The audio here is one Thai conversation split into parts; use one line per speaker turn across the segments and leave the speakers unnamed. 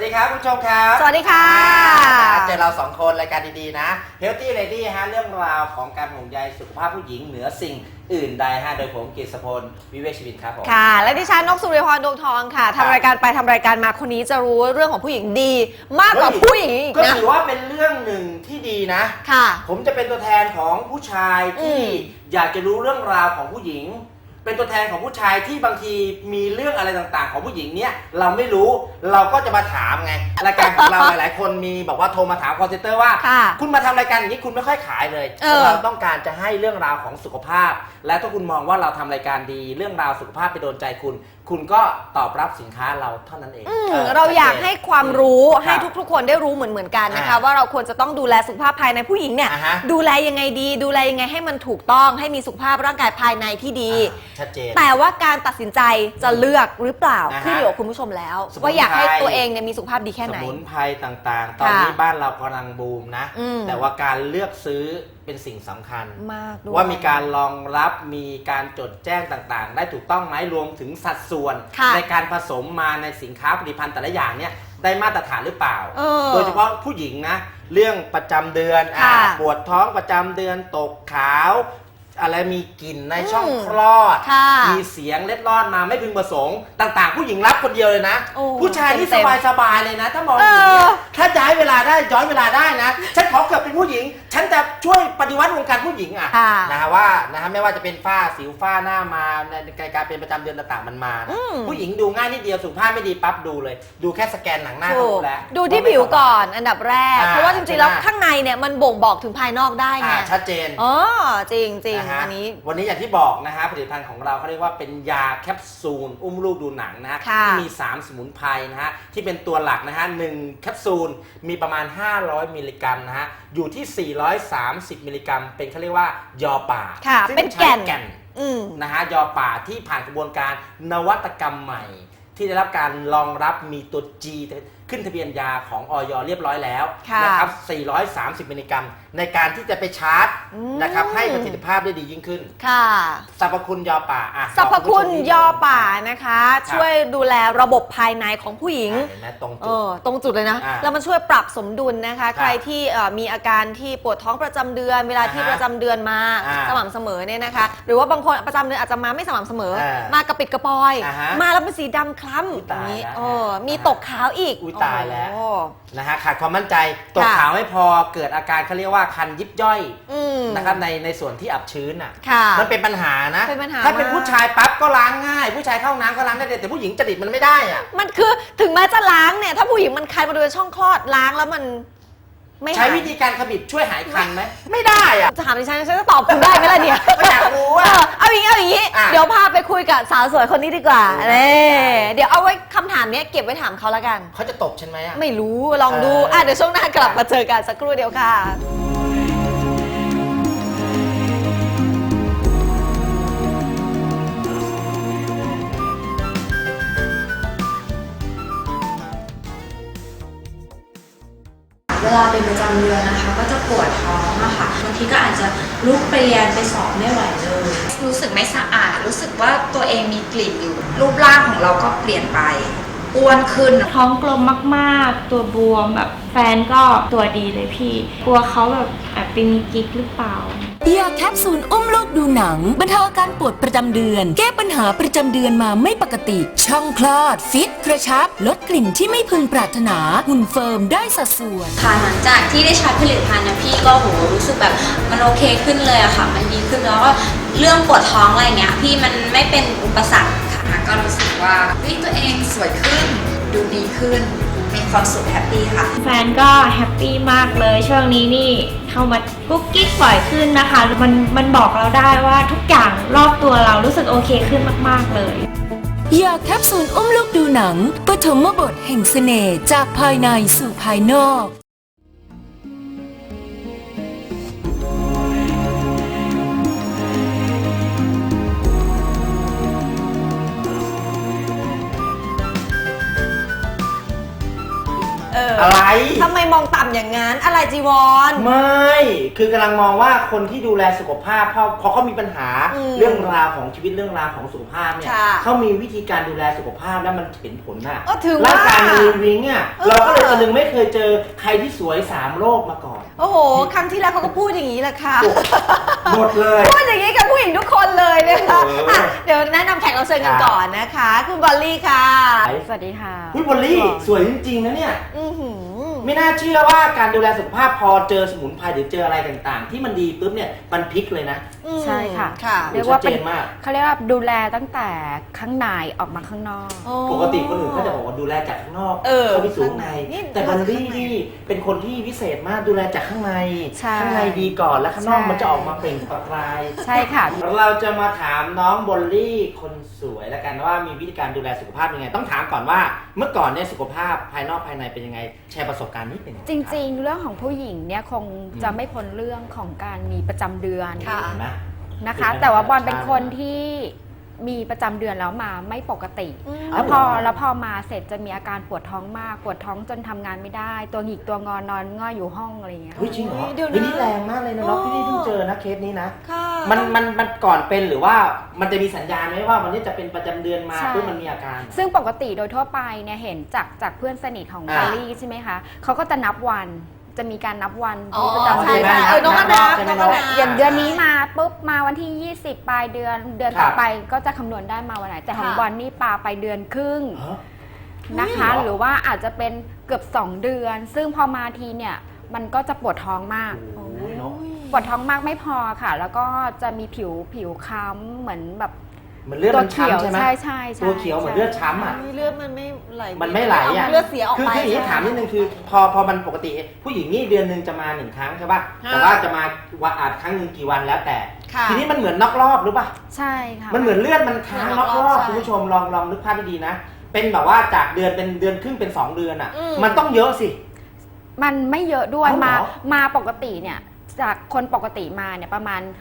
ดีครับผู้ชมครับ
สวัสดีค่ะ
เจอเราสองคนรายการดีๆนะ Healthy Lady ฮะเรื่องราวของการห่วงใยสุขภาพผู้หญิงเหนือสิ่งอื่นใดฮะโดยผมกฤษพลวิเวกชีวิตครับผม
ค่ะและดิฉันนกสุริพรดวงทองค่ะทำรายการไปทำรายการมาคนนี้จะรู้เรื่องของผู้หญิงดีมากกว่าผู้หญิงอีกนะ
ก็ถือว่าเป็นเรื่องหนึ่งที่ดีนะ
ค่ะ
ผมจะเป็นตัวแทนของผู้ชายที่อยากจะรู้เรื่องราวของผู้หญิงเป็นตัวแทนของผู้ชายที่บางทีมีเรื่องอะไรต่างๆของผู้หญิงเนี่ยเราไม่รู้เราก็จะมาถามไงรายการของเราหลายๆคนมีบอกว่าโทรมาถามคอลเซ็นเตอร์ว่าคุณมาทำรายการอย่างนี้คุณไม่ค่อยขายเลยเราต้องการจะให้เรื่องราวของสุขภาพและถ้าคุณมองว่าเราทำรายการดีเรื่องราวสุขภาพไปโดนใจคุณก็ตอบรับสินค้าเราเท่านั้นเอง
เราอยากให้ความรู้ให้ทุกๆคนได้รู้เหมือนกันนะคะว่าเราควรจะต้องดูแลสุขภาพภายในผู้หญิงเนี่ยดูแลยังไงดีดูแลยังไงให้มันถูกต้องให้มีสุขภาพร่างกายภายในที่ดี
ชัดเจน
แต่ว่าการตัดสินใจจะเลือกหรือเปล่าขึ้นอยู่กับคุณผู้ชมแล้วว่าอยากให้ตัวเองเนี่ยมีสุขภาพดีแค่ไหน
สมุนไพรต่างๆตอนนี้บ้านเรากำลังบูมนะแต่ว่าการเลือกซื้อเป็นสิ่งสำคัญ
มาก
ว่ามีการรองรับมีการจดแจ้งต่างๆได้ถูกต้องไหมรวมถึงสัดส่วนในการผสมมาในสินค้าผลิตภัณฑ์แต่ละอย่างเนี่ยได้มาตรฐานหรือเปล่าโดยเฉพาะผู้หญิงนะเรื่องประจำเดือนปวดท้องประจำเดือนตกขาวอะไรมีกลิ่นในช่องคลอดมีเสียงเล็ดลอดมาไม่พึงประสงค์ต่างๆผู้หญิงรับคนเดียวเลยนะผู้ชายที่สบายๆเลยนะถ้ามองอย่างนี้ถ้าย้อนเวลาได้นะฉันขอเกิดเป็นผู้หญิงฉันจะช่วยปฏิวัติวงการผู้หญิงนะฮะว่านะฮะไม่ว่าจะเป็นฝ้าสิวฝ้าหน้ามาในการเป็นประจำเดือนต่างๆมันมาผู้หญิงดูง่ายนิดเดียวสุขภาพไม่ดีปั๊บดูเลยดูแค่สแกนหนังหน้าก็รู้แล้ว
ดูที่ผิวก่อนอันดับแรกเพราะว่าจริงๆแล้วข้างในเนี่ยมันบ่งบอกถึงภายนอกได้ไง
ชัดเจน
จริงวัน
นี้อย่างที่บอกนะฮะผลิตภัณฑ์ของเราเขาเรียกว่าเป็นยาแคปซูลอุ้มลูกดูหนังนะฮะที่มี3สมุนไพรนะฮะที่เป็นตัวหลักนะฮะ1แคปซูลมีประมาณ500มิลลิกรัมนะฮะอยู่ที่430มิลลิกรัมเป็นเขาเรียกว่ายอป่า
ซึ่งเป็นแก่น
นะฮะยอป่าที่ผ่านกระบวนการนวัตกรรมใหม่ที่ได้รับการรองรับมีตัว G ขึ้นทะเบียนยาของอย.เรียบร้อยแล้วนะครับ430มิลลิกรัมในการที่จะไปชาร์จนะครับให้ประสิทธิภาพได้ดียิ่งขึ้น
ค่ะ
สรรพคุณยอป่า
สรรพคุณยอป่านะคะช่วยดูแลระบบภายในของผู้หญิงตรงจุดเลยนะแล้วมันช่วยปรับสมดุลนะคะใครที่มีอาการที่ปวดท้องประจำเดือนเวลาที่ประจำเดือนมาสม่ำเสมอเนี่ยนะคะหรือว่าบางคนประจำเดือนอาจจะมาไม่สม่ำเสมอมากระปิดกระปอยมาแล้วเป็นสีดำคล้ำอย่างนี้มีตกขาวอีก
ตายแล้วนะฮะขาดความมั่นใจตกขาวไม่พอเกิดอาการเขาเรียกว่าคันยิบย่อยนะครับในส่วนที่อับชื้นมันเป็นปัญหานะถ้าเป็นผู้ชายปั๊บก็ล้างง่ายผู้ชายเข้าน้ำก็ล้างได้แต่ผู้หญิงจริตมันไม่ได้
มันคือถึงแม้จะล้างเนี่ยถ้าผู้หญิงมันคันบริเวณช่องคลอดล้างแล้วมัน
ใช้วิธีการขมิบช่วยหายคันไหมไม่ได้
จะถามดิฉันจะตอบคุณได้ไหมล่ะเนี่ย
อยากรู้ว่า
เอาอย่างนี้เดี๋ยวพาไปคุยกับสาวสวยคนนี้ดีกว่าเดี๋ยวเอาไว้คำถามนี้เก็บไว้ถามเขาแล้วกัน
เขาจะตบฉันไหม
ไม่รู้ลองดูเดี๋ยวช่วงหน้ากลับมาเจอกันสักครู่เดียวค่ะ
เวลาเป็นประจำเดือนนะคะก็จะปวดท้องอะค่ะบางทีก็อาจจะลุกไปเรียนไปสอบไม่ไหวเลยรู้สึกไม่สะอาดรู้สึกว่าตัวเองมีกลิ่นอยู่รูปร่างของเราก็เปลี่ยนไปอ้วนขึ้น
ท้องกลมมากๆตัวบวมแบบแฟนก็ตัวดีเลยพี่กลัวเขาแบบแอบไปมีกิ๊กหรือเปล่าย
าแคปซูลอุ้มลูกดูหนังบรรเทาอาการปวดประจำเดือนแก้ปัญหาประจำเดือนมาไม่ปกติช่องคลอดฟิตกระชับลดกลิ่นที่ไม่พึงปรารถนาหุ่นเฟิร์มได้สัดส่วน
ค่ะหลังจากที่ได้ใช้ผลิตภัณฑ์นะพี่ก็รู้สึกแบบมันโอเคขึ้นเลยอะค่ะมันดีขึ้นแล้วก็เรื่องปวดท้องอะไรเงี้ยพี่มันไม่เป็นอุปสรรคค่ะก็รู้สึกว่าตัวเองสวยขึ้นดูดีขึ้นมีความสุขแฮปปี้ค่ะ
แฟนก็แฮปปี้มากเลยช่วงนี้นี่เข้ามากุ๊กกิ๊กบ่อยขึ้นนะคะมันบอกเราได้ว่าทุกอย่างรอบตัวเรารู้สึกโอเคขึ้นมากๆเลย
ยาแคปซูลอุ้มลูกดูหนังปฐมบทแห่งเสน่ห์จากภายในสู่ภายนอก
อะไร
ทำไมมองต่ำอย่างนั้นอะไรจีวร
ไม่คือกำลังมองว่าคนที่ดูแลสุขภาพพอเขามีปัญหาเรื่องราวของชีวิตเรื่องราวของสุขภาพเนี่ยเขามีวิธีการดูแลสุขภาพแล้วมันเห็นผลน่ะร่างกายมันวิงอ่ะเราก็เลยนึงไม่เคยเจอใครที่สวย3โรคมาก่อน
โอ้โหครั้งที่แล้วเขาก็พูดอย่างนี้แหละค่ะ
หมดเลย
พูดอย่างนี้กับผู้หญิงทุกคนเลยนะคะเดี๋ยวแนะนำแขกรับเชิญกันก่อนนะคะคุณบอลลี่ค่ะ
สวัสดีค่ะ
คุณบอลลี่สวยจริงๆนะเนี่ยไม่น่าเชื่อว่าการดูแลสุขภาพพอเจอสมุนไพรหรือเจออะไรต่างๆที่มันดีปุ๊บเนี่ยมันพลิกเลยนะ
ใช่ค่ะ
เรียกว่าเป็น
เขาเรียกว่าดูแลตั้งแต่ข้างในออกมาข้างนอก
ปกติคนอื่นเขาจะบอกว่าดูแลจากข้างนอกเข้าไปสู่ข้างในแต่บอลลี่นี่เป็นคนที่พิเศษมากดูแลจากข้างในดีก่อนแล้วข้างนอกมันจะออกมาเปล่งประกาย
ใช่ค่ะ
เราจะมาถามน้องบอลลี่คนสวยแล้วกันว่ามีวิธีการดูแลสุขภาพยังไงต้องถามก่อนว่าเมื่อก่อนเนี่ยสุขภาพภายนอกภายในเป็นยังไงแชร์ประสบการณ์นิดนึง
จริงๆเรื่องของผู้หญิงเนี่ยคงจะไม่พ้นเรื่องของการมีประจำเดือนนะคะแต่ว่าบอลเป็นคนที่มีประจำเดือนแล้วมาไม่ปกติแล้วพอมาเสร็จจะมีอาการปวดท้องมากปวดท้องจนทำงานไม่ได้ตัวหงิกตัวงอนอนง่อยอยู่ห้องอะไรเงี้ย
จริงเหรอนี่แรงมากเลยนะน้องพี่เพิ่งเจอนะเคสนี้นะมันก่อนเป็นหรือว่ามันจะมีสัญญาณไหมว่าวันนี้จะเป็นประจำเดือนมาเพื่อมันมีอาการ
ซึ่งปกติโดยทั่วไปเนี่ยเห็นจากเพื่อนสนิทของบอลลี่ใช่ไหมคะเขาก็จะนับวันจะมีการนับวันประจำเดือน
น้องก็นับ
อย่างเดือนนี้มาปุ๊บมาวันที่20ปลายเดือนต่อไปก็จะคำนวณได้มาวันไหนแต่ของบอลนี่ปาไปเดือนครึ่งนะคะหรือว่าอาจจะเป็นเกือบ2เดือนซึ่งพอมาทีเนี่ยมันก็จะปวดท้องมากปวดท้องมากไม่พอค่ะแล้วก็จะมีผิวค้ำเหมือนแบบ
มันเลือดมันช้ำใช่ไหม
ใช่
ตัวเขียวเหมือนเลือดช้ำอ่ะ
เลือดมันไม่ไหล
อ่ะ
เลือดเสียออกไป
คืออย่างนี้ถามนิดนึงคือพอมันปกติผู้หญิงนี่เดือนนึงจะมา1ครั้งใช่ป่ะแต่ว่าจะมาวันครั้งนึงกี่วันแล้วแต่ทีนี้มันเหมือนนอกรอบหรือป่ะ
ใช่ค่ะ
มันเหมือนเลือดมันค้างนอกรอบคุณผู้ชมลองนึกภาพดีๆนะเป็นแบบว่าจากเดือนเป็นเดือนครึ่งเป็น2เดือนอ่ะมันต้องเยอะสิ
มันไม่เยอะด้วยมาปกติเนี่ยจากคนปกติมาเนี่ยประมาณ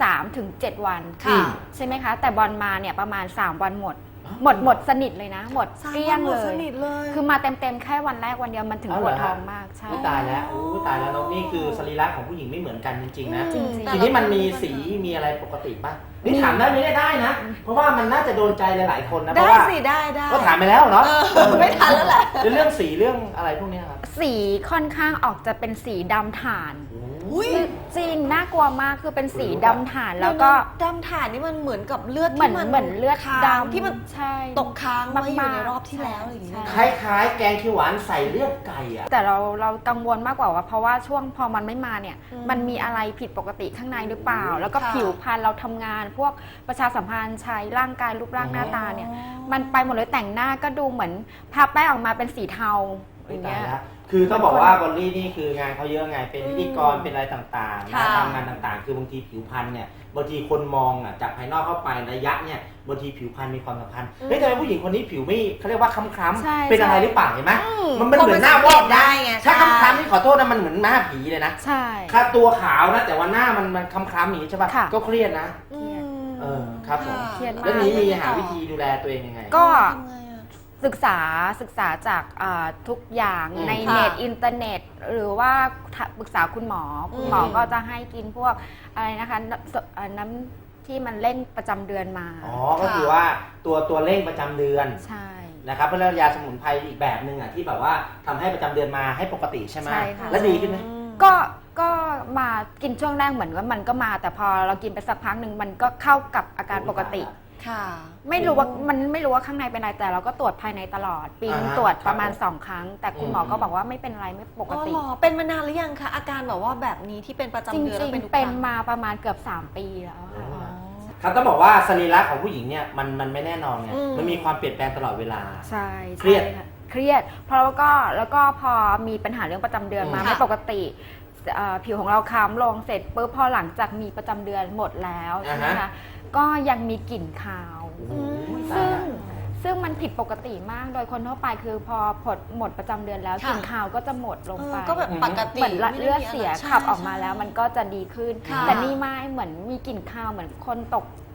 3-7 วันใช่ไหมคะแต่บอลมาเนี่ยประมาณ3วันหมดสนิทเลยนะหมดเกลี้ยงเลยคือมาเต็มแค่วันแรกวันเดียวมันถึงปวดท้องมากใช่
ตายแล้วตายแล้วน้องนี่คือสรีระของผู้หญิงไม่เหมือนกันจริงๆนะทีนี้มันมีสีมีอะไรปกติป่ะนี่ถามได้ไม่ได้นะเพราะว่ามันน่าจะโดนใจหลายๆคนนะเพราะว่า
ได้
ก็ถามไปแล้วเนาะ
ไม่ทันแล้วแหละ
เรื่องสีเรื่องอะไรพวกนี้ครับ
สีค่อนข้างออกจะเป็นสีดำถ่านจริงน่ากลัวมากคือเป็นสีดำถ่านแล้วก็
ดำถ่านนี่มันเหมือนกับเลือด
ที่มันเหมือนเลือดดำ
ที่มันตกค้างไว้อยู่ในรอบที่แล้วอย่างเงี้ย
คล้ายๆแกงเขียวหวานใส่เลือดไก่อะ
แต่เรากังวลมากกว่าเพราะว่าช่วงพอมันไม่มาเนี่ยมันมีอะไรผิดปกติข้างในหรือเปล่าแล้วก็ผิวพรรณเราทำงานพวกประชาสัมพันธ์ใช้ร่างกายรูปร่างหน้าตาเนี่ยมันไปหมดเลยแต่งหน้าก็ดูเหมือนทาแป้งออกมาเป็นสีเทาอย่างเงี้ย
คือต้องบอกว่าบอลลี่นี่คืองานเขาเยอะไงเป็นพิธีกรเป็นอะไรต่างๆทำงานต่างๆคือบางทีผิวพรรณเนี่ยบางทีคนมองอ่ะจากภายนอกเข้าไประยะเนี่ยบางทีผิวพรรณมีความสำคัญเฮ้ยทำไมผู้หญิงคนนี้ผิวไม่เขาเรียกว่าคล้ำๆเป็นอะไรหรือเปล่าเห็นไหมมันเหมือนหน้าวอก
ได้ไง
ถ้าคล้ำๆนี่ขอโทษนะมันเหมือนหน้าผีเลยนะ
ใช่
ถ้าตัวขาวนะแต่ว่าหน้ามันคล้ำๆอย่างนี้ใช่ป่ะก็เครียดนะครับผมแล้วนี้มีหาวิธีดูแลตัวเองยังไง
ก็ศึกษาจากทุกอย่างในเน็ตอินเทอร์เน็ตหรือว่าปรึกษาคุณหมอก็จะให้กินพวกอะไรนะคะน้ำที่มันเร่งประจำเดือนมา
ก็คือว่าตัวเร่งประจำเดือน
ใช่
นะครับเป็นยาสมุนไพรอีกแบบนึงอ่ะที่แบบว่าทำให้ประจำเดือนมาให้ปกติใช่ไหมแล้วดีขึ้นไหม
ก็มากินช่วงแรกเหมือนว่ามันก็มาแต่พอเรากินไปสักพักหนึ่งมันก็เข้ากับอาการปกติไม่รู้ว่าข้างในเป็นอะไรแต่เราก็ตรวจภายในตลอดปีนึงตรวจประมาณ2 ครั้งแต่คุณหมอก็บอกว่าไม่เป็นไรไม่ปกติ
เป็นมานานหรือยังคะอาการแบบว่าแบบนี้ที่เป็นประจำเดือน
จริงๆเป็นมาประมาณเกือบ3 ปีแล้วค่ะ
ครับต้องบอกว่าสรีระของผู้หญิงเนี่ยมันไม่แน่นอนไงมันมีความเปลี่ยนแปลงตลอดเวลา
ใช่
เครียด
เพราะแล้วก็พอมีปัญหาเรื่องประจำเดือนมาไม่ปกติผิวของเราค้ำลงเสร็จปุ๊บพอหลังจากมีประจำเดือนหมดแล้วใช่ไหมคะก็ยังมีกลิ่นคาวซึ่งมันผิดปกติมากโดยคนทั่วไปคือพอหมดประจำเดือนแล้วกลิ่นคาวก็จะหมดลงไป
ก็แบบปกติ
เหมือนเลือดเสียขับออกมาแล้วมันก็จะดีขึ้นแต่นี่ไม่เหมือนมีกลิ่นคาวเหมือนคนตก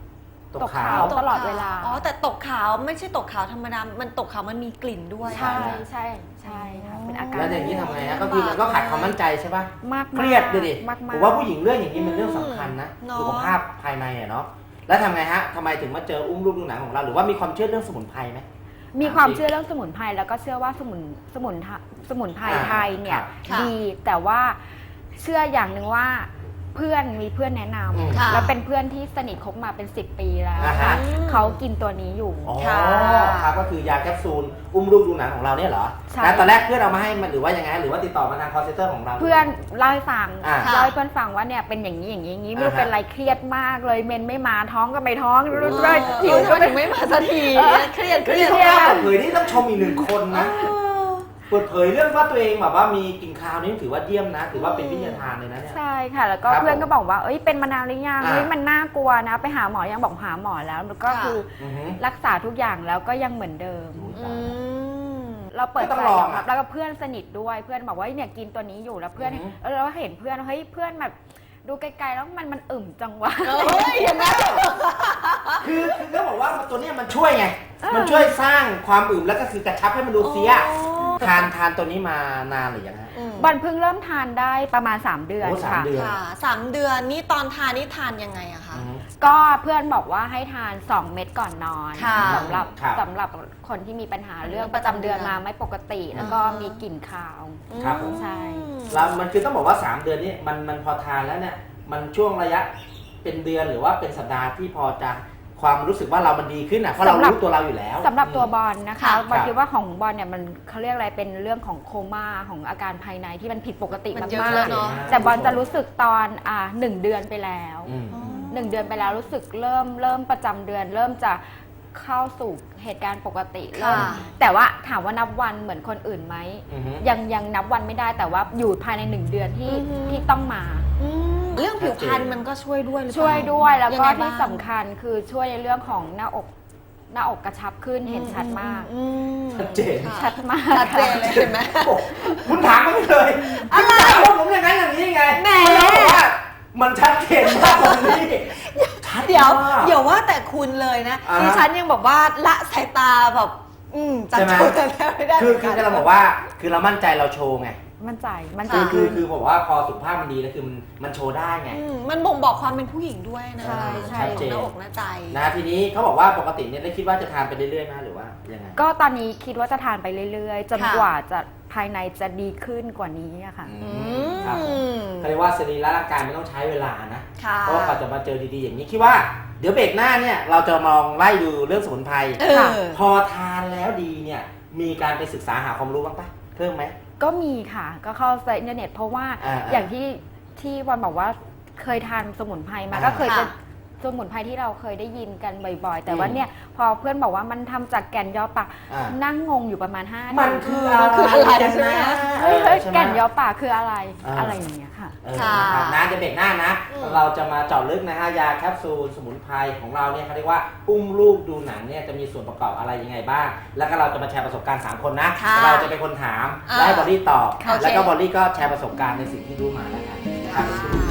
ตกขาว
ตลอดเวลา
อ๋อแต่ตกขาวไม่ใช่ตกขาวธรรมดา มันตกขาวมันมีกลิ่นด้วย
ใช่ใช่ใช่ค่ะเป็นอาการ
แล้วอย่างนี้ทำไงฮะก็คือมันก็ขาดความมั่นใจใช่ป่ะ
มากๆ
เครียดดูดิ
มากๆ
ผมว่าผู้หญิงเรื่องอย่างนี้มันเรื่องสำคัญนะ
เนอะ
สุขภาพภายในอะเนาะแล้วทำไงฮะทำไมถึงมาเจออุ้มลูกดูหนังของเราหรือว่ามีความเชื่อเรื่องสมุนไพรไหม
มีความเชื่อเรื่องสมุนไพรแล้วก็เชื่อว่าสมุนไพรไทยเนี่ย
ค่ะ
ดีแต่ว่าเชื่ออย่างหนึ่งว่ามีเพื่อนแนะน
ค่ะ
ำแล้วเป็นเพื่อนที่สนิทคบมาเป็น10 ปีแล้ว
อ่าฮะ
เขากินตัวนี้อยู่
อ๋อ
ค่ะ
ครับก็คือยาแคปซูลอุ้มลูกดูหนังของเราเนี่ยเหรอ
ใช่
แล้วตอนแรกเพื่อนเอามาให้มันหรือว่ายังไงหรือว่าติดต่อมาทางคอลเซ็นเตอร์ของเรา
เพื่อนเล่าให้ฟัง
อ่า
เล่าให้เพื่อนฟังว่าเนี่ยเป็นอย่างนี้อย่างนี้อย่างนี้ไม่รู้
อ่าฮะ
เป็นไรเครียดมากเลยเมนไม่มาท้องก็ไม่ท้อง
โอ้
รู้
โห
เลยหิว
ทำ
ก็
ไม
ไม่
ถึงไม่มาสักทีเครียดเค
เฮ้ย
รียด
เขากล้าเปิดเผยนี่ต้องชมอีกหนึ่งคนนะเปิดเผยเรื่องว่าตัวเองแบบว่ามีกลิ่นคาวนี่ถือว่าเยี่ยมนะ ถือว่าเป็นวิทยาทานเลยนะเนี่ย
ใช่ค่ะ แล้วก็
ครับ
เพื่อนก็บอกว่าเอ้ยเป็นมานานหรือยัง
อ่า
เฮ้ยมันน่ากลัวนะไปหาหมอยังบอกหาหมอแล้วแล้วก็
ค่ะ
คือ
อือฮึ
รักษาทุกอย่างแล้วก็ยังเหมือนเดิม
อืม
เราเปิด
ก็ต้
ใจ
องลอง
ยอมรับ
อะ
แล้วก็เพื่อนสนิทด้วยเพื่อนบอกว่าเนี่ยกินตัวนี้อยู่แล้วเพื่อน
อือฮึ
เราเห็นเพื่อนเฮ้ยเพื่อนแบบดูไกลๆแล้วมันอึมจังวะ
เฮ้ยอย่างนั้น
คือเขาบอกว่าตัวเนี้ยมันช่วยไง มันช่วยสร้างความอึมแล้วก็คือกระชับให้มันดูเฟี้ยทานตัวนี้มานานหรือยังฮะ
บอลเพิ่งเริ่มทานได้ประมาณ3 เดือน
โอ้
ค่ะ
3 เดือน
ค่ะ3 เดือนนี่ตอนทานนี่ทานยังไงอะคะ
อือฮึ
ก็เพื่อนบอกว่าให้ทาน 2 เม็ดก่อนนอน
ค่ะ
สำหรับ
ครับ
สำหรับคนที่มีปัญหาเรื่องประจำเดือนมาไม่ปกติ แล้วก็มีกลิ่นคาว
ครับผม
ใช่
แล้วมันคือต้องบอกว่า 3 เดือนนี้มันพอทานแล้วเนี่ยมันช่วงระยะเป็นเดือนหรือว่าเป็นสัปดาห์ที่พอจะความรู้สึกว่าเรามันดีขึ้นอ่ะเพราะเรารู้ตัวเราอยู่แล้ว
สำหรับตัวบอลนะคะ
ค่ะ
บอลคิดว่าของบอลเนี่ยมันเขาเรียกอะไรเป็นเรื่องของโคม่าของอาการภายในที่มันผิดปกติ
มันเยอะ
มาก
แล้วเนอะ
ๆแต่บอลจะรู้สึกตอน1 เดือนไปแล้ว
อืม
1 เดือนไปแล้วรู้สึกเริ่มประจำเดือน เริ่มจะเข้าสู่เหตุการณ์ปกติเริ่ม
ค่ะ
แต่ว่าถามว่านับวันเหมือนคนอื่นไหม
อือฮึ
ยังนับวันไม่ได้แต่ว่าอยู่ภายใน1 เดือนที่ต้องมา
เรื่องผิวพรรณมันก็ช่วยด้วยหรือเปล่า
ช่วยด้วยแล้วก็
ยังไงบ้าง
ที่สำคัญคือช่วยในเรื่องของหน้าอกกระชับขึ้นเห็นชัดมาก
อืม
ชัดเจน
ค่ะ
ชัดมาก
ชัดเจนเลยเห็นไหม
คุณถามมาไม่เลยคุณถามว่าผมอย่างนั้นอย่างนี้ไง
แหม
แล้วบอกว่ามันชัดเจนมากตรงนี้ชัด
เดี๋ยว
มาก
เดี๋ยวว่าแต่คุณเลยนะ
อ่าฮะ
ดิฉันยังบอกว่าละสายตาแบบจัด
ใช่ไหม
โจทย์แต่ไม่ได้
คือ
เหมืนน
เราบอกว่าคือเรามั่นใจเราโชว์ไง
มั่นใจ
คือบอกว่าพอสุขภาพมันดีแล้วคือมันโชว์ได้ไง
มันบ่งบอกความเป็นผู้หญิงด้วยนะ
ใช่
ใช่
ชัดเจน
หน้าอกหน้าใจ
นะทีนี้เขาบอกว่าปกติเนี่ยได้คิดว่าจะทานไปเรื่อยๆไหมหรือว่ายังไง
ก็ตอนนี้คิดว่าจะทานไปเรื่อยๆ จน
ค่ะ
กว่าจะภายในจะดีขึ้นกว่านี้อะค่ะ
ครับผมเขาเรียกว่าสรีระร่างกายมันต้องใช้เวลานะ
ค่ะ
เพราะว่ากว่าจะมาเจอดีๆอย่างนี้คิดว่าเดี๋ยวเบรกหน้าเนี่ยเราจะมองไล่ดูเรื่องสมุนไพร
เออ
พอทานแล้วดีเนี่ยมีการไปศึกษาหาความรู้บ้างปะเพิ่มไหม
ก็มีค่ะ ก็เข้าในอินเทอร์เน็ต เพราะว่า
ๆ
อย่างที่วันบอกว่าเคยทานสมุนไพรมา
อ่า
ก็เคยจะ
ค่ะ
สมุนไพรที่เราเคยได้ยินกันบ่อยๆ แต่ว่า
อืม
เนี่ยพอเพื่อนบอกว่ามันทำจากแก่นยอป่า
อ่า
นั่งงงอยู่ประมาณ5
มันคืออะไร
ใช่ไหม
เฮ้ย
ใช่ไหม
แก่นยอป่าคืออะไร
อ่า
อะไรอย่างเงี้ยค่ะ
ค่ะ
นะครับนะจะเบรกหน้านะ
อืม
เราจะมาเจาะลึกนะฮะยาแคปซูลสมุนไพรของเราเนี่ยเขาเรียกว่าอุ้มลูกดูหนังเนี่ยจะมีส่วนประกอบอะไรยังไงบ้าง แล้วก็เราจะมาแชร์ประสบการณ์3คนนะ
ค่ะ
เราจะเป็นคนถาม
อ่า
และให้บอลลี่ตอบ
โอเค
แล้วก็บอลลี่ก็แชร์ประสบการณ์ในสิ่งที่รู้มาแล้วกันครับ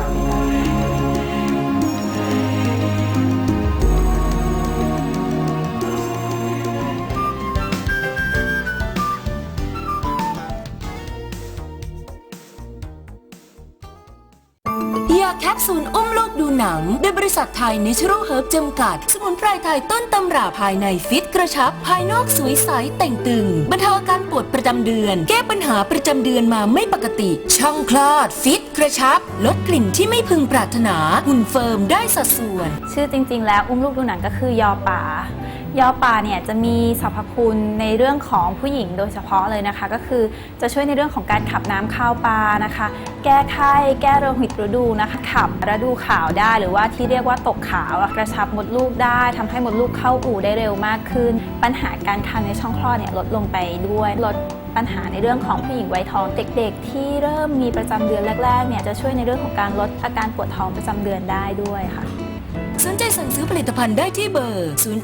ยาแคปซูลอุ้มลูกดูหนังโดยบริษัทไทยเนเชอรัลเฮิร์บจำกัด สมุนไพรไทยต้นตำราภายในฟิตกระชับ ภายนอกสวยใสแต่งตึงบรรเทาอาการปวดประจำเดือน แก้ปัญหาประจำเดือนมาไม่ปกติ ช่องคลอด ฟิตกระชับ ลดกลิ่นที่ไม่พึงปรารถนา หุ่นเฟิร์มได้สัดส่วน
ชื่อจริงๆ แล้วอุ้มลูกดูหนังก็คือยอป่ายอป่าเนี่ยจะมีสรรพคุณในเรื่องของผู้หญิงโดยเฉพาะเลยนะคะก็คือจะช่วยในเรื่องของการขับน้ำเข้าปลานะคะ แก้ไข้แก้โรคหิตฤดูนะคะขับฤดูขาวได้หรือว่าที่เรียกว่าตกขาวกระชับมดลูกได้ทำให้มดลูกเข้าอู่ได้เร็วมากขึ้น ปัญหาการคันในช่องคลอดเนี่ยลดลงไปด้วยลดปัญหาในเรื่องของผู้หญิงวัยทองเด็กๆ ที่เริ่มมีประจำเดือนแรกๆเนี่ยจะช่วยในเรื่องของการลดอาการปวดท้องประจำเดือนได้ด้วยค่ะ
สนใจสั่งซื้อผลิตภัณฑ์ได้ที่เบอร์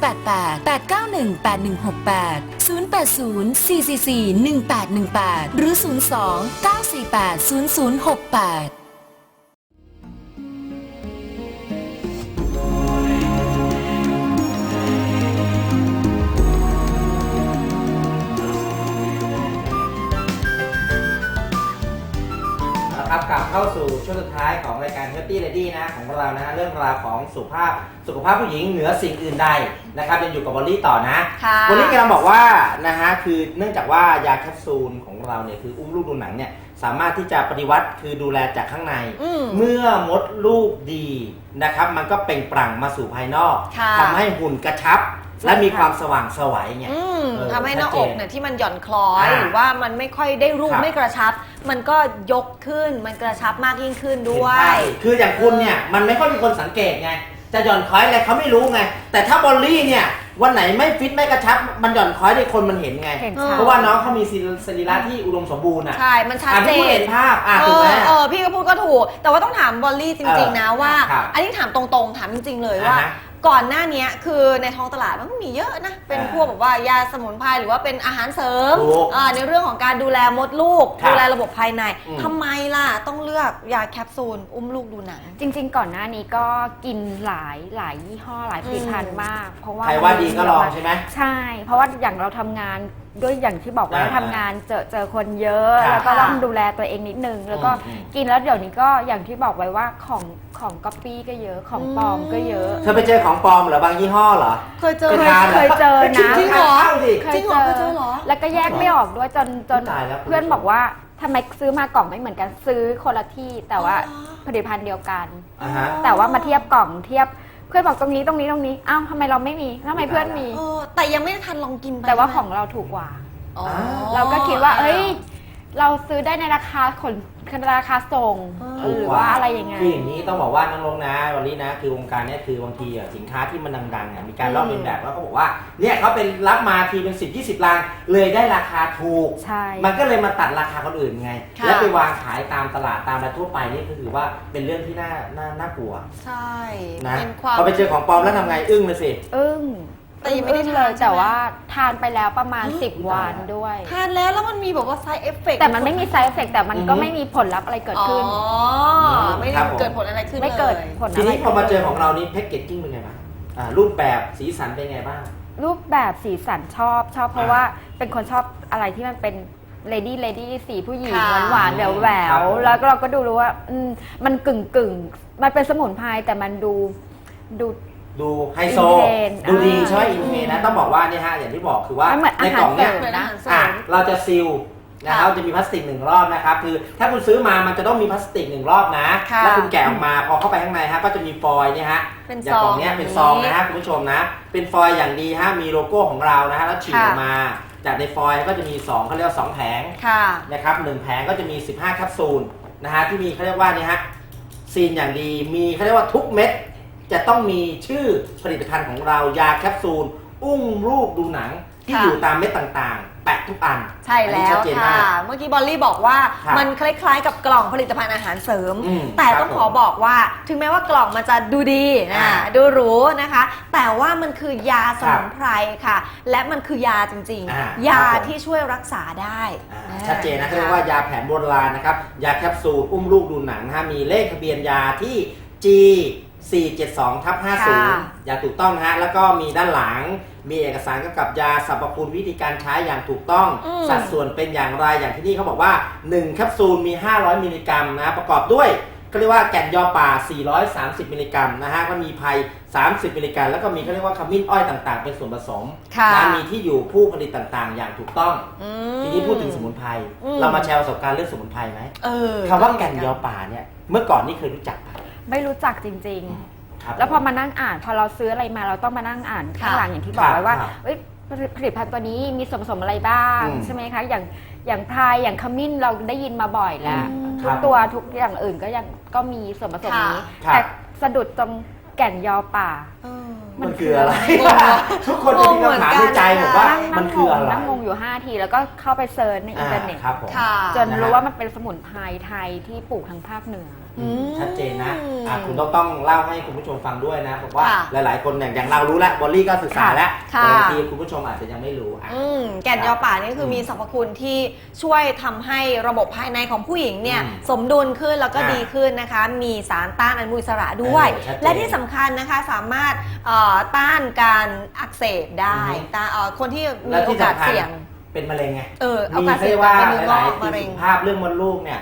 088-891-8168 080-444-1818 หรือ 02-948-0068
ครับกลับเข้าสู่ช่วงสุดท้ายของรายการ Healthy Lady นะของเรานะฮะเรื่องราวของสุขภาพผู้หญิงเหนือสิ่งอื่นใดนะครับยังอยู่กับบอลลี่ต่อนะบอลลี่กำลังบอกว่านะฮะคือเนื่องจากว่ายาแคปซูลของเราเนี่ยคืออุ้มลูกดูหนังเนี่ยสามารถที่จะปฏิวัติคือดูแลจากข้างในเมื่อมดลูกดีนะครับมันก็เปล่งปลั่งมาสู่ภายนอกทำให้หุ่นกระชับและมีความสว่างไสวไง
ทำให้หน้าอกเนี่ยที่มันหย่อนคล้อยหรือว่ามันไม่ค่อยได้รูปไม่กระชับมันก็ยกขึ้นมันกระชับมากยิ่งขึ้นด้วย
คืออย่างคุณเนี่ยมันไม่ค่อยมีคนสังเกตไงจะหย่อนคล้อยอะไรเขาไม่รู้ไงแต่ถ้าบอลลี่เนี่ยวันไหนไม่ฟิตไม่กระชับมันหย่อนคล้อยในคนมันเห็นไงเพราะว่าน้องเขามีสรีระที่อุดมสมบูรณ์
ใช่มันชัดเจน
เห็นภาพถูกไหม
พี่ก็พูดก็ถูกแต่ว่าต้องถามบอลลี่จริงๆนะว่าอันนี้ถามตรงๆถามจริงๆเลยว่าก่อนหน้านี้คือในท้องตลาดมันก็มีเยอะนะเป็นพวกแบบว่ายาสมุนไพรหรือว่าเป็นอาหารเสริมในเรื่องของการดูแลมดลูกดูแลระบบภายในทำไมล่ะต้องเลือกยาแคปซูลอุ้มลูกดูหนัง
จริงๆก่อนหน้านี้ก็กินหลายยี่ห้อหลายผลิตภัณฑ์มากเพราะว่า
ใครว่าดีก็ลองใช่ไหม
ใช่เพราะว่าอย่างเราทำงานด้วยอย่างที่บอกว่าทำงานเจอคนเยอะแล้วก็ต้องดูแลตัวเองนิดนึงแล้วก็กินแล้วเดี๋ยวนี้ก็อย่างที่บอกไว้ว่าของก๊อปปี้ก็เยอะของปลอมก็เยอะ
เธอไปเจอของปลอมเหรอบางยี่ห้อเหรอ
เคยเจอ
นะจ
ริงเหรอ
เคยเจอแล้วก็แยกไม่ออกด้วยจนเพื่อนบอกว่าทำไมซื้อมากล่องไม่เหมือนกันซื้อคนละที่แต่ว่าผลิตภัณฑ์เดียวกันแต่ว่ามาเทียบกล่องเทียบเพื่อนบอกตรงนี้อ้าวทำไมเราไม่มีทำไมเพื่อนมี
แต่ยังไม่ทันลองกิน
แต่ว่าของเราถูกกว่าเราก็คิดว่าเราซื้อได้ในราคาราคาส่งหรือว่าอะไรยังไง
คืออย่างนี้ต้องบอกว่าน้องลงนะวันนี้นะคือวงการนี้คือบางทีสินค้าที่มันดังๆมีการลอกเลียนแบบแล้วเขาบอกว่าเนี่ยเขาเป็นรับมาทีเป็น10-20 ลังเลยได้ราคาถูกมันก็เลยมาตัดราคาคนอื่นไงแล้วไปวางขายตามตลาดตามอะไรทั่วไปนี่ก็ถือว่าเป็นเรื่องที่น่ากลัว
ใช่
นะพอไปเจอของปลอมแล้วทำไงอึ้งเลยสิ
แต่ยังไม่ได้เลยแต่ว่าทานไปแล้วประมาณ10 วันด้วย
ทานแล้วมันมีแบบว่า side effect
แต่มันไม่มี side effect แต่มันก็ไม่มีผลลัพธ์อะไรเกิดขึ้น
ไม่ได้เกิดผลอะไรขึ้น
ไม่เกิดผลอะไร
ทีนี้พอมาเจอของเรานี่แพ็กเกจจิ้งเป็นไงบ้างรูปแบบสีสันเป็นไงบ้าง
รูปแบบสีสันชอบเพราะว่าเป็นคนชอบอะไรที่มันเป็นเลดี้สีผู้หญิงหวานแหววแล้วเราก็รู้ว่ามันกึ่งมันเป็นสมุนไพรแต่มันดู
ไฮโซดูดีใช่ไหมอินเทนนะต้องบอกว่านี่ฮะอย่างที่บอกคือว่าในกล่องเนี้ยเราจะซีลนะครับจะมีพลาสติก1 รอบนะครับคือถ้าคุณซื้อมามันจะต้องมีพลาสติก1 รอบนะแล้วคุณแกะออกมาพอเข้าไปข้างในฮะก็จะมีฟอยล์เนี่ยฮะอย่างกล่องเนี้ยเป็นซองนะฮะคุณผู้ชมนะเป็นฟอยล์อย่างดีฮะมีโลโก้ของเรานะฮะแล้วฉีกออกมาจากในฟอยล์ก็จะมี2เขาเรียกว่า2 แผงนะครับ1 แผงก็จะมี15 แคปซูลนะฮะที่มีเขาเรียกว่านี่ฮะซีนอย่างดีมีเขาเรียกว่าทุกเม็ดจะต้องมีชื่อผลิตภัณฑ์ของเรายาแคปซูลอุ้มลูกดูหนังที่อยู่ตามเม็ดต่างๆแปะทุกอัน
ใช่แล้วค่ะเมื่อกี้บอลลี่บอกว่ามันคล้ายๆกับกล่องผลิตภัณฑ์อาหารเสริมแต่ต้องขอบอกว่าถึงแม้ว่ากล่องมันจะดูดีดูหรูนะคะแต่ว่ามันคือยาสมุนไพรค่ะและมันคือยาจริงๆยาที่ช่วยรักษาได้
ชัดเจนนะเรียกว่ายาแผนโบราณนะครับยาแคปซูลอุ้มลูกดูหนังนะมีเลขทะเบียนยาที่ G 472/50อย่างถูกต้องนะฮะแล้วก็มีด้านหลังมีเอกสารเกี่ยวกับยาสรรพคุณวิธีการใช้อย่างถูกต้องสัดส่วนเป็นอย่างไรอย่างที่นี่เขาบอกว่า1 แคปซูลมี500 มิลลิกรัมนะประกอบด้วยเขาเรียกว่าแก่นยอป่า430 มิลลิกรัมนะฮะก็มีไพร30 มิลลิกรัมแล้วก็มีเขาเรียกว่าขมิ้นอ้อยต่างๆเป็นส่วนผสมนะมีที่อยู่ผู้ผลิตต่างๆอย่างถูกต้องทีนี้พูดถึงสมุนไพรเรามาแชร์ประสบการณ์เรื่องสมุนไพรไหมคำว่าแก่นยอป่าเนี่ยเมื่อก่อนนี่เคยรู้จักไหม
ไม่รู้จักจริงๆแล้วพอมานั่งอ่านพอเราซื้ออะไรมาเราต้องมานั่งอ่านข้างหลังอย่างที่บอกไว้ว่าผลิตภัณฑ์ตัวนี้มีส่วนผสมอะไรบ้างใช่ไหมคะอย่างไพรอย่างขมิ้นเราได้ยินมาบ่อยแล้วทุกตัวทุกอย่างอื่นก็มีส่วนผสมนี้แต่สะดุดตรงแก่นยอป่า
มันคืออะไรทุกคนจะมีคำถามในใจบอกว่ามันคืออะไร
นั่งงงอยู่5 ทีแล้วก็เข้าไปเซิร์ชในอินเทอร์เน็ตจนรู้ว่ามันเป็นสมุนไพรไทยที่ปลูกทางภาคเหนือ
ชัดเจนนะคุณต้องเล่าให้คุณผู้ชมฟังด้วยนะบอกว่าหลายๆคนอย่างเรารู้แล้วบอลลี่ก็ศึกษาแล้วแต่บางทีคุณผู้ชมอาจจะยังไม่รู้
แก่นยอป่านี่คือมีสรรพคุณที่ช่วยทำให้ระบบภายในของผู้หญิงเนี่ยสมดุลขึ้นแล้วก็ดีขึ้นนะคะมีสารต้านอนุมูลอิสระด้วยและที่สำคัญนะคะสามารถต้านการอักเสบได้คนที่มีโอกาสเสี่ยง
เป็นมะเร็งไง
โอกาสเสี่ยงเป็นเนื้องอกมะเร็ง
ภาพเรื่องมดลูกเนี่ย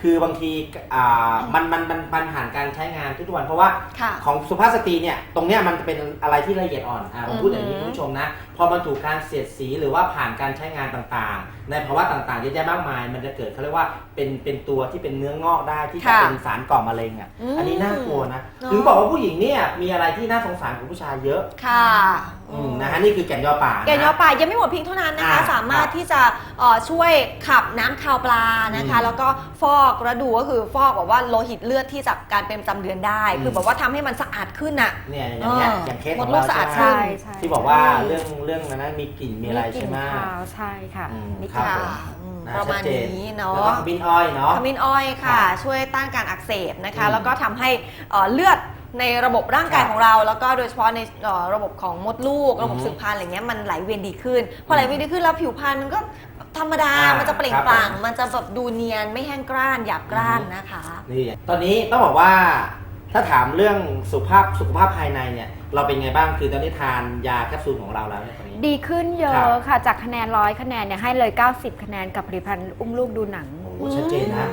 คือบางทีมันผ่านการใช้งานทุกวันเพราะว่า
ค่ะ
ของสุภาพสตรีเนี่ยตรงเนี้ยมันจะเป็นอะไรที่ละเอียดอ่อนผมพูดอย่างนี้คุณผู้ชมนะพอมันถูกการเสียดสีหรือว่าผ่านการใช้งานต่างๆ ในภาวะต่างๆเยอะแยะมากมายมันจะเกิดเขาเรียกว่าเป็นตัวที่เป็นเนื้องอกได้ที่จะ
ค่ะ
เป็นสารก่อมะเร็งอันนี้น่ากลัวนะถึงบอกว่าผู้หญิงเนี่ยมีอะไรที่น่าสงสารกว่าผู้ชายเยอะ
ค่ะ
นะฮะนี่คือแก่นยอป่า
แกนยอป่ายังไม่หมดเพียงเท่านั้นนะคะสามารถที่จะช่วยขับน้ำคาวปลานะคะแล้วก็ฟอกระดูก็คือฟอกแบบว่าโลหิตเลือดที่จากการเป็นประจำเดือนได้คือแบบว่าทำให้มันสะอาดขึ้นอ่ะ
เนี่ยอย่างเคสของ
มดลู
เรา
กสะอาด
ใช่ไหม
ขึ้น
ใช่
ที่บอกว่าเรื่องนั้นมีกลิ่นมีอะไรใช่ไหม
กลิ่นคาวใช่ค่ะ
มี
กลิ่น
ครับ
คาว
ประมาณนี้เนาะ
แล้วก็ขมิ้นอ้อยเนาะ
ขมิ้นอ้อยค่ะ ช่วยต้านการอักเสบนะคะแล้วก็ทำให้เลือดในระบบร่างกายของเรา แล้วก็โดยเฉพาะในระบบของมดลูกระบบสืบพันธุ์อะไรเงี้ยมันไหลเวียนดีขึ้นพอไหลเวียนดีขึ้นแล้วผิวพรรณมันก็ธรรมดามันจะเปล่งปลั่งมันจะแบบดูเนียนไม่แห้งกร้านหยาบกร้านนะคะ
นี่ตอนนี้ต้องบอกว่าถ้าถามเรื่องสุขภาพภายในเนี่ยเราเป็นไงบ้างคือตอนนี้ทานยาแคปซูลของเราแล้วเนี่ยตอนนี้
ดีขึ้นเยอะค่ะจากคะแนน100คะแนนเนี่ยให้เลย90คะแนนกับผลิตภัณฑ์อุ้มลูกดูหนัง
โอ้ชัดเจนนะ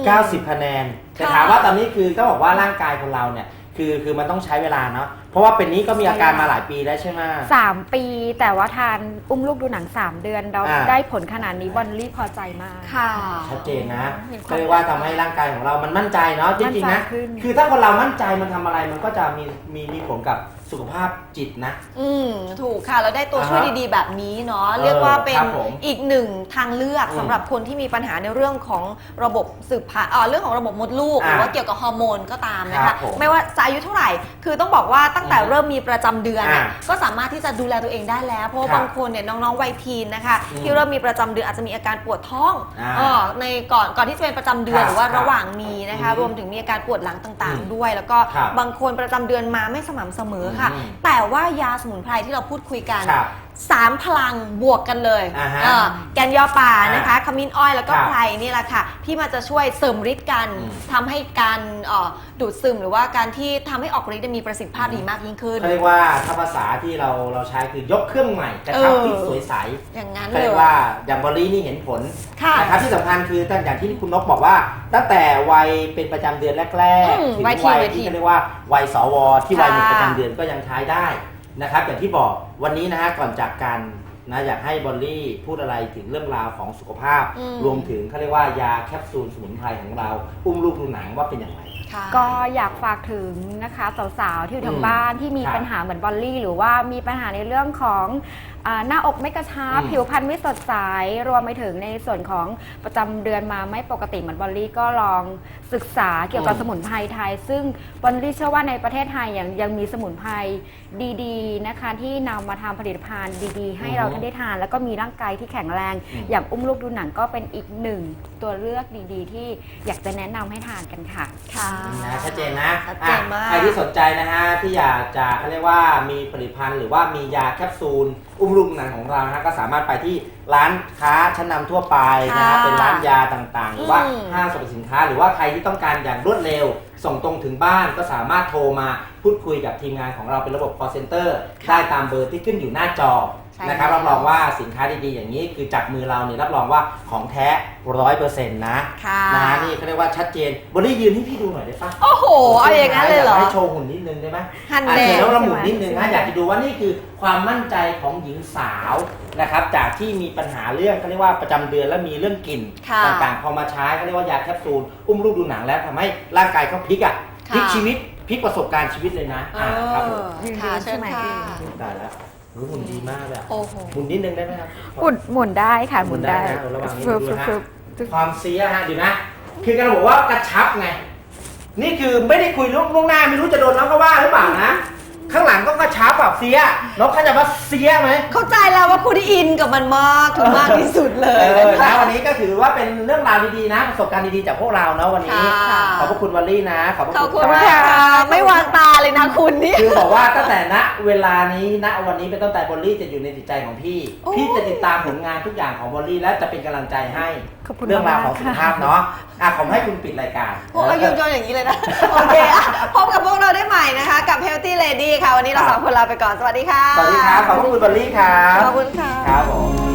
90 คะแนนแต่ถามว่าตอนนี้คือต้องบอกว่าร่างกายของเราเนี่ยคือมันต้องใช้เวลาเนาะเพราะว่าเป็นนี้ก็มีอาการมาหลายปีแล้วใช่ไหม
3 ปีแต่ว่าทานอุ้มลูกดูหนัง 3 เดือนเราได้ผลขนาดนี้บอลลี่พอใจมาก
ค่ะ
ชัดเจนนะ
เห็นความ
ก็เรียกว่าทำให้ร่างกายของเรามันมั่นใจเนาะจริงๆนะ
มั่นใจขึ้น
คือถ้าคนเรามั่นใจมันทำอะไรมันก็จะมีผลกับสุขภาพจิตนะ
ถูกค่ะเราได้ตัวช่วยดีๆแบบนี้เนาะเรียกว่าเป็น
ครับผม
อีกหนึ่งทางเลือก
อืม
สำหรับคนที่มีปัญหาในเรื่องของระบบสืบพันธุ์เรื่องของระบบมดลูกหรือว่าเกี่ยวกับฮอร์โมนก็ตามนะ
ครั
คะ
บผม
ไม่ว่าจะอายุเท่าไหร่ คือต้องบอกว่าตั้งแต่เริ่มมีประจำเดือนเนี่ย
อ่า
ก็สามารถที่จะดูแลตัวเองได้แล้วเพราะว่า
ครับ
บางคนเนี่ยน้องๆวัยทีนนะคะ
อืม
ที่เริ่มมีประจำเดือนอาจจะมีอาการปวดท้อง
อ่า
ในก่อนที่จะเป็นประจำเดือน
ครับ
หรือว่าระหว่างมีนะคะ
อืม
รวมถึงมีอาการปวดหลังต่าง
อืม
ๆ ด้วย แล้วก็
ครับ
บางคนประจำเดือนมาไม่สม่ำเสมอค่ะ
อืม
แต่ว่ายาสมุนไพรที่เราพูดคุยกัน
ครับ
3 พลังบวกกันเลย
อ่าฮะ
แกนยอป่านะคะขมิ้นอ้อยแล้วก็
ครับ
ไพรนี่แหละค่ะที่มันจะช่วยเสริมฤทธิ์กัน
อืม
ทำให้การดูดซึมหรือว่าการที่ทำให้ออกฤทธิ์มีประสิทธิภาพดีมากยิ่งขึ้น
เขาเรียกว่าถ้าภาษาที่เราใช้คือยกเครื่องใหม่กระชับที่สวยใส
อย่างนั้น
เขา
เล
เรี
ย
ยกว่าอย่างบอลลี่นี่เห็นผล
ค่ะ
นะครับที่สำคัญคือตั้งอย่างที่คุณนกบอกว่า ตั้งแต่วัยเป็นประจำเดือนแรกๆถึง
วั
วั
ย
ย
ที
ที่เขาเรียกว่าวัยสวที่วัยหมด
ค่ะ
ประจำเดือนก็ยังใช้ได้นะครับอย่างที่บอกวันนี้นะฮะก่อนจากกันนะอยากให้บอลลี่พูดอะไรถึงเรื่องราวของสุขภาพ รวมถึงเขาเรียกว่ายาแคปซูลสมุนไพรของเราอุ้มลูกดูหนังว่าเป็นอย่างไร
ค่ะ
ก็อยากฝากถึงนะคะสาวๆที่อยู่ทางบ้านที่มี
ครับ
ปัญหาเหมือนบอลลี่ หรือว่ามีปัญหาในเรื่องของหน้าอกไม่กระชับ ผิวพรรณไม่สดใสรวมไปถึงในส่วนของประจำเดือนมาไม่ปกติเหมือนบอลลี่ก็ลองศึกษาเกี่ยวกับสมุนไพรไทย ซึ่งบอลลี่เชื่อว่าในประเทศไทยยังมีสมุนไพรดีๆนะคะที่นำมาทำผลิตภัณฑ์ดีๆ ให้เราท่านได้ทาน แล้วก็มีร่างกายที่แข็งแรง อย่างอุ้มลูกดูหนังก็เป็นอีกหนึ่งตัวเลือกดีๆ ที่อยากจะแนะนำให้ทานกันค่ะ
ค่ะ
นะชัดเจนนะ
ชัดเจนมาก
ใครที่สนใจนะฮะที่อยากจะเขาเรียกว่ามีผลิตภัณฑ์หรือว่ามียาแคปซูลอุ้มลูกหนังของเรานะฮะก็สามารถไปที่ร้านค้าชั้นนำทั่วไปนะฮะ
ค่ะ
เป็นร้านยาต่างๆ หรือว่า
อืม
ห้างสรรพสินค้า หรือว่าใครที่ต้องการอย่างรวดเร็ว ส่งตรงถึงบ้านก็สามารถโทรมาพูดคุยกับทีมงานของเราเป็นระบบ call center ได้ตามเบอร์ที่ขึ้นอยู่หน้าจอ
ใช่
นะครับ
แล้ว
รับรองว่าสินค้าดีๆอย่างนี้คือจากมือเราเนี่ยรับรองว่าของแท้ 100% นะ
ค่ะ
นะนี่เขาเรียกว่าชัดเจนบอลลี่ยืนให้พี่ดูหน่อยได้ปะ
โอ้โหเอาอย่างนั้นเลยเหรอ
ให้โชว์หุ่นนิดนึงได้ไหม
ฮัน
อ่ะ
เด
เสร็จ
ล
แล้วเราหมุนนิดนึง
ใช่
นะ
ไหม
อยากจะดูว่านี่คือความมั่นใจของหญิงสาวนะครับจากที่มีปัญหาเรื่องเขาเรียกว่าประจำเดือนและมีเรื่องกลิ่น
ค่ะ
ต่างๆพอมาใช้เขาเรียกว่ายาแคปซูลอุ้มลูกดูหนังแล้วทำให้ร่างกายเขาพลิกอ่ะ
ค่ะ
พลิกชีวิตพลิกประสบการณ์ชีวิตเลยนะครับผม
ค่ะเชิญค่ะ
ได้แล้วหุ่นดีมากเลยอะ
โอ้โห
หมุนนิดนึงได้ไหมครับ
หมุนได้ค่ะหมุนได้
นะระวังนิด
ฟึ
นึ
บ
ง
ฟึ
นะ
บ
ฮะ
ฟึบฟึบ
ความเสียฮะเดี๋ยวนะ คือการบอกว่ากระชับไง นี่คือไม่ได้คุยล่วงหน้าไม่รู้จะโดนน้องเขาว่าหรือเปล่านะ ข้างหลังก็กระชับแบบเสียน้องเข้าใจว่าเสียไหม
เข้าใจแล้วว่าคุณอินกับมันมากถึงมากที่สุดเลย
นะวันนี้ก็ถือว่าเป็นเรื่องราวดีๆนะประสบการณ์ดีๆจากพวกเราเนาะวันนี้
ค่ะ
ขอบพระคุณวอลลี่นะขอบพระ
ขอบ
คุ
คุณ
ณ
มากค่ะไม่วางตาเลยนะคุณนี่
คือบอกว่าตั้งแต่ณเวลานี้ณวันนี้เป็นต้นแต่วอลลี่จะอยู่ในจิตใจของพี่
โอ้
พี่จะติดตามผลงานทุกอย่างของวอลลี่และจะเป็นกำลังใจให้
ขอบคุณ
เรื่องราวของ
มาก
สุ
ค่ะ
ขภาพเนาะผมให้คุณปิดรายการ
โอ้ยโยนอย่างนี้เลยนะ โอเคอ่ะพบกับพวกเราได้ใหม่นะคะ กับ Healthy Lady ค่ะ วันนี้เราสองคนลาไปก่อน สวัสดีค่ะ
สวัสดีครับ ขอบคุณวอลลี่ครับ
ขอบคุณค่ะ
ครับผม